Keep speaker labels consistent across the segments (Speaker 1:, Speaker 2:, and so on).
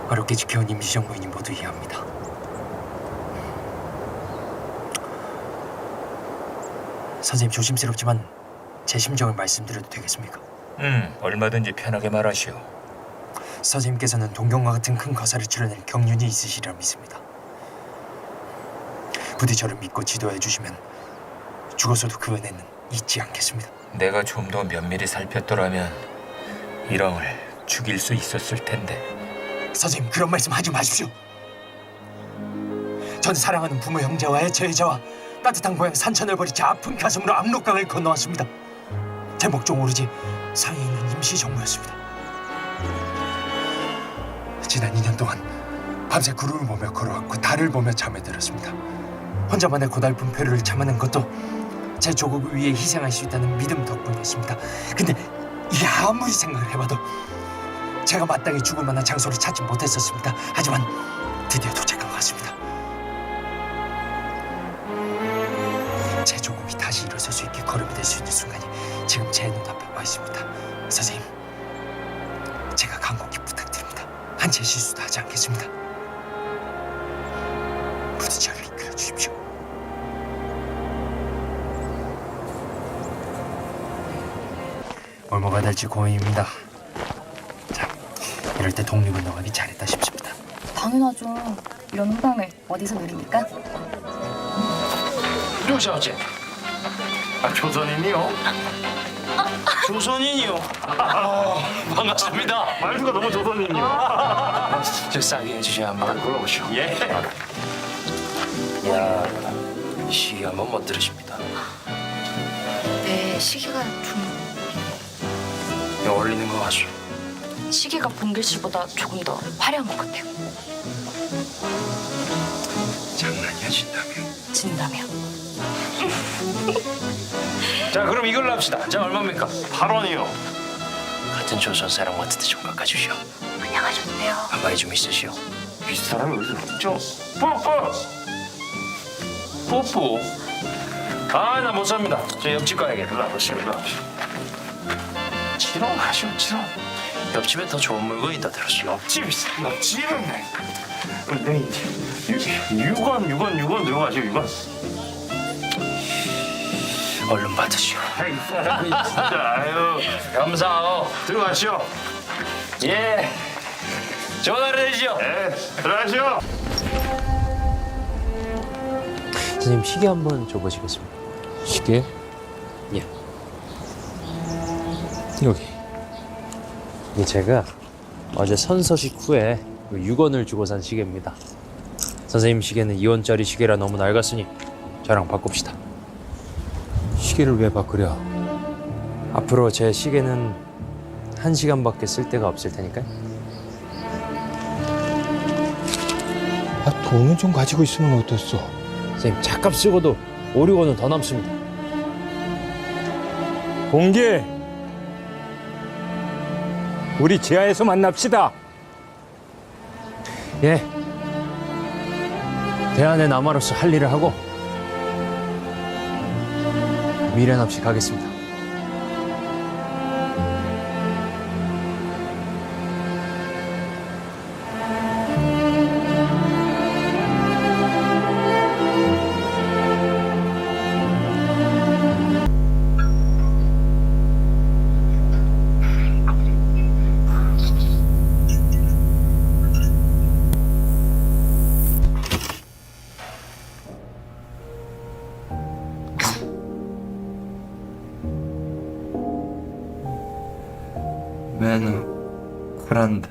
Speaker 1: 어렵게 지켜온 임시정부인이 모두 이해합니다. 선생님, 조심스럽지만 제 심정을 말씀드려도 되겠습니까?
Speaker 2: 얼마든지 편하게 말하시오.
Speaker 1: 선생님께서는 동경과 같은 큰 거사를 치러낼 경륜이 있으시리라 믿습니다. 부디 저를 믿고 지도해 주시면 죽어서도 그 은혜는 잊지 않겠습니다.
Speaker 2: 내가 좀 더 면밀히 살폈더라면 일왕을 죽일 수 있었을 텐데.
Speaker 1: 선생님, 그런 말씀 하지 마십시오. 전 사랑하는 부모 형제와 애처애자와 따뜻한 고향 산천을 버리지 아픈 가슴으로 압록강을 건너왔습니다. 제 목적 오로지 상해 있는 임시정부였습니다. 지난 2년 동안 밤새 구름을 보며 걸어왔고 달을 보며 잠에 들었습니다. 혼자만의 고달픈 표류를 참아낸 것도 제 조국을 위해 희생할 수 있다는 믿음 덕분이었습니다. 근데 이게 아무리 생각을 해봐도 제가 마땅히 죽을 만한 장소를 찾지 못했었습니다. 하지만 드디어 도착한 것 같습니다. 제 조국이 다시 일어설 수 있게 걸음이 될 수 있는 순간이 지금 제 눈앞에 와 있습니다. 선생님, 제가 간곡히 부탁드립니다. 한 채 실수도 하지 않겠습니다. 부디 저를 이끌어 주십시오. 뭘 먹어야 될지 고민입니다. 자, 이럴 때 독립운동하기 잘했다 싶습니다.
Speaker 3: 당연하죠. 이런 훈방을 어디서 누립니까?
Speaker 4: 누구셔지? 조선인이요? 조선인이요? 반갑습니다.
Speaker 5: 말투가 너무 조선인이요.
Speaker 4: 저 싸게 해주셔야 한번 불러보시오.
Speaker 5: 예.
Speaker 4: 야, 시기 한번 못 들으십니다.
Speaker 3: 네, 시기가 좀...
Speaker 4: 어울리는 거 같소.
Speaker 3: 시기가 봉길 씨보다 조금 더 화려한 것 같아요.
Speaker 4: 장난이야 진다며.
Speaker 3: 진다며.
Speaker 4: 자, 그럼 이걸로 합시다. 자, 얼마입니까?
Speaker 5: 8원이요.
Speaker 4: 같은 조선 사람 같은데 좀 깎아주시오.
Speaker 3: 안녕하셨네요.
Speaker 4: 한마디 좀 있으시오.
Speaker 5: 윗사람이 어디서 없죠? 뽀뽀.
Speaker 4: 뽀뽀. 아, 나 못 삽니다. 저 옆집 가야겠다.
Speaker 5: 나보십니다. 치렁 하시오, 치렁.
Speaker 4: 옆집에 더 좋은 물건 있다 들었어.
Speaker 5: 옆집은 네, 육원 들어가시오, 6원.
Speaker 4: 얼른 받으시오.
Speaker 5: 아이, 사람이 진짜, 아유.
Speaker 4: 감사하오.
Speaker 5: 들어가시오.
Speaker 4: 예. 좋은 하루 되시오.
Speaker 5: 예, 들어가시오.
Speaker 1: 선생님, 시계 한번 줘보시겠습니까?
Speaker 2: 시계?
Speaker 1: 예. 여기. 이게 제가 어제 선서식 후에 6원을 주고 산 시계입니다. 선생님 시계는 2원짜리 시계라 너무 낡았으니 저랑 바꿉시다. 시계를 왜 바꾸려? 앞으로 제 시계는 1시간밖에 쓸 데가 없을 테니까요.
Speaker 6: 돈은 좀 가지고 있으면 어떻소?
Speaker 1: 선생님, 차값 쓰고도 5, 6원은 더 남습니다.
Speaker 6: 공기! 우리 지하에서 만납시다.
Speaker 1: 예. 대안의 남아로서 할 일을 하고 미련 없이 가겠습니다.
Speaker 7: 매너 그란다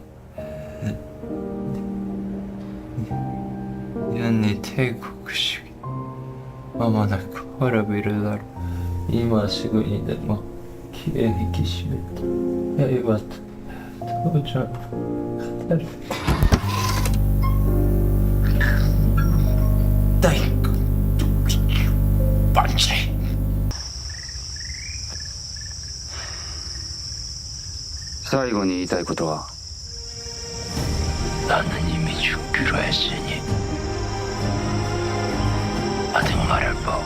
Speaker 7: 연니 태국식 마마나 커라비르다로 이마시고이데 뭐 기회히 기시메트 헤이와트 도저 카타르 다이크 반치
Speaker 8: 最後に言いたいことは
Speaker 4: 나는 이미 죽기로 했으니 아직 말할 법.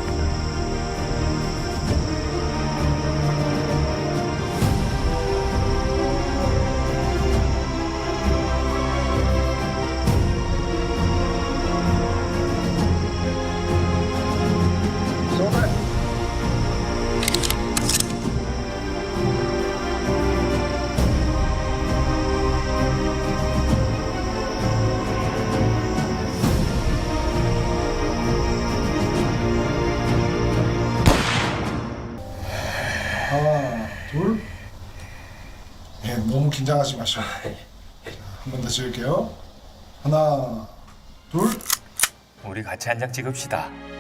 Speaker 9: 예, 너무 긴장하지 마시고. 한 번 더 찍을게요. 하나, 둘.
Speaker 2: 우리 같이 한 장 찍읍시다.